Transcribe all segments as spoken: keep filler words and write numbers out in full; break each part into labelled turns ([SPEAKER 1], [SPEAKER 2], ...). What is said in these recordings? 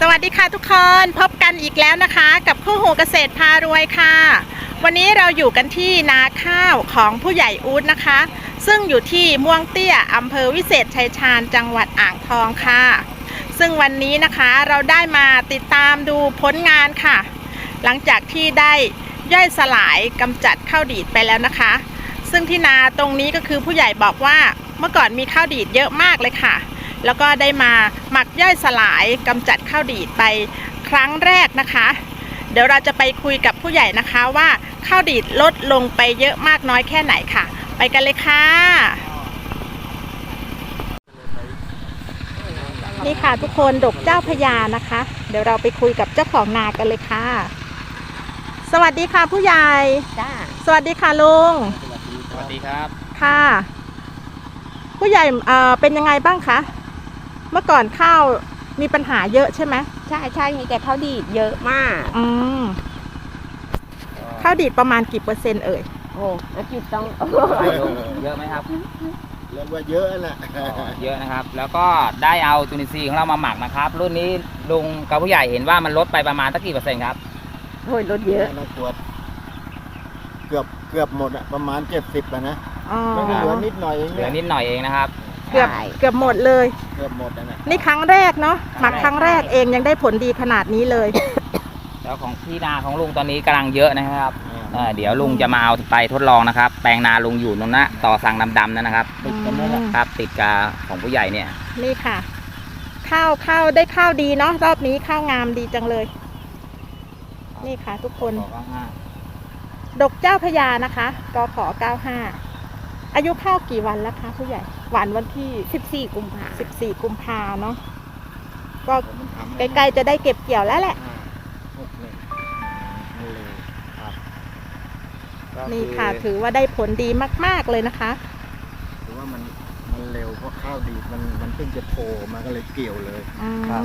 [SPEAKER 1] สวัสดีค่ะทุกคนพบกันอีกแล้วนะคะกับคู่หูเกษตรพารวยค่ะวันนี้เราอยู่กันที่นาข้าวของผู้ใหญ่อู๊ดนะคะซึ่งอยู่ที่ม่วงเตี้ยอำเภอวิเศษชัยชาญจังหวัดอ่างทองค่ะซึ่งวันนี้นะคะเราได้มาติดตามดูผลงานค่ะหลังจากที่ได้ย่อยสลายกำจัดข้าวดีดไปแล้วนะคะซึ่งที่นาตรงนี้ก็คือผู้ใหญ่บอกว่าเมื่อก่อนมีข้าวดีดเยอะมากเลยค่ะแล้วก็ได้มาหมักย่อยสลายกำจัดข้าวดีดไปครั้งแรกนะคะเดี๋ยวเราจะไปคุยกับผู้ใหญ่นะคะว่าข้าวดีดลดลงไปเยอะมากน้อยแค่ไหนค่ะไปกันเลยค่ะนี่ค่ะทุกคนดกเจ้าพญานะคะเดี๋ยวเราไปคุยกับเจ้าของนากันเลยค่ะสวัสดีค่ะผู้ใหญ่จ้าสวัสดีค่ะลุง
[SPEAKER 2] สวัสดีครับ
[SPEAKER 1] ค่ะผู้ใหญ่เอ่อเป็นยังไงบ้างคะเมื่อก่อนข้าวมีปัญหาเยอะใช่ไหม
[SPEAKER 3] ใช่ใช่มีแต่ข้าวดีดเยอะมาก
[SPEAKER 1] อืมข้าวดีดประมาณกี่เปอร์เซ็นต์เอ่ย
[SPEAKER 3] โอ้อาจิตต้อง
[SPEAKER 2] เยอะไหมครับ
[SPEAKER 4] เรียกว่าเยอะแหละ
[SPEAKER 2] เยอะนะครับแล้วก็ได้เอาจุลินทรีย์ของเรามาหมักนะครับรุ่นนี้ลุงกับผู้ใหญ่เห็นว่ามันลดไปประมาณสักกี่เปอร์เซ็นต์ครับ
[SPEAKER 3] โอ้ยลดเยอะ
[SPEAKER 4] นะขวดเกือบเกือบหมดอะประมาณเจ็ดสิบอะนะ
[SPEAKER 1] ไม่
[SPEAKER 4] เหลือนิดหน่อยเอง
[SPEAKER 2] เหลือนิดหน่อยเองนะครับ
[SPEAKER 1] เกือบเกือบหมดเลย
[SPEAKER 4] เกือบหมดนะ
[SPEAKER 1] นี่ครั้งแรกเนาะหมักครั้งแรกเองยังได้ผลดีขนาดนี้เลย
[SPEAKER 2] แล้วของที่นาของลุงตอนนี้กำลังเยอะนะครับเดี๋ยวลุงจะมาเอาไปทดลองนะครับแปลงนาลุงอยู่ตรงนั้นต่อสั่งดำๆนั่นนะครับ
[SPEAKER 4] ติดกันนั่นแหละ
[SPEAKER 2] ครับติดกาของผู้ใหญ่เนี่ย
[SPEAKER 1] นี่ค่ะข้าวข้าวได้ข้าวดีเนาะรอบนี้ข้าวงามดีจังเลยนี่ค่ะทุกคนดกเจ้าพญานะคะกขเก้าห้าอายุข้าวกี่วันแล้วคะผู้ใหญ่หวานวันที่
[SPEAKER 3] สิบสี่กุมภา
[SPEAKER 1] สิบสี่กุมภาเนาะก็ใกล้ๆจะได้เก็บเกี่ยวแล้วแหละนี่ค่ะถือว่าได้ผลดีมากๆเลยนะคะ
[SPEAKER 4] ถือว่ามันมันเร็วเพราะข้าวดีมันมันเพิ่งจะโผล่มาก็เลยเกี่ยวเลยครับ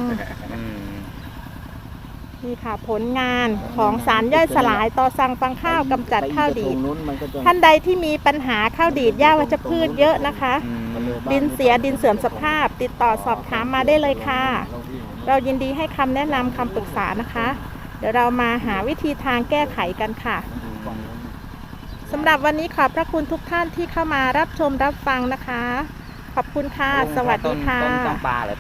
[SPEAKER 1] นี่ค่ะผลงานของสารย่อยสลายต่อสั่งฟางข้าวกำจัดข้าวดีดท่านใดที่มีปัญหาข้าวดีดหญ้าวัชพืชเยอะนะคะดินเสียดินเสื่อมสภาพติดต่อสอบถามมาได้เลยค่ะเรายินดีให้คำแนะนำคำปรึกษานะคะเดี๋ยวเรามาหาวิธีทางแก้ไขกันค่ะสำหรับวันนี้ขอบพระคุณทุกท่านที่เข้ามารับชมรับฟังนะคะขอบคุณค่ะสวัสดีค่ะ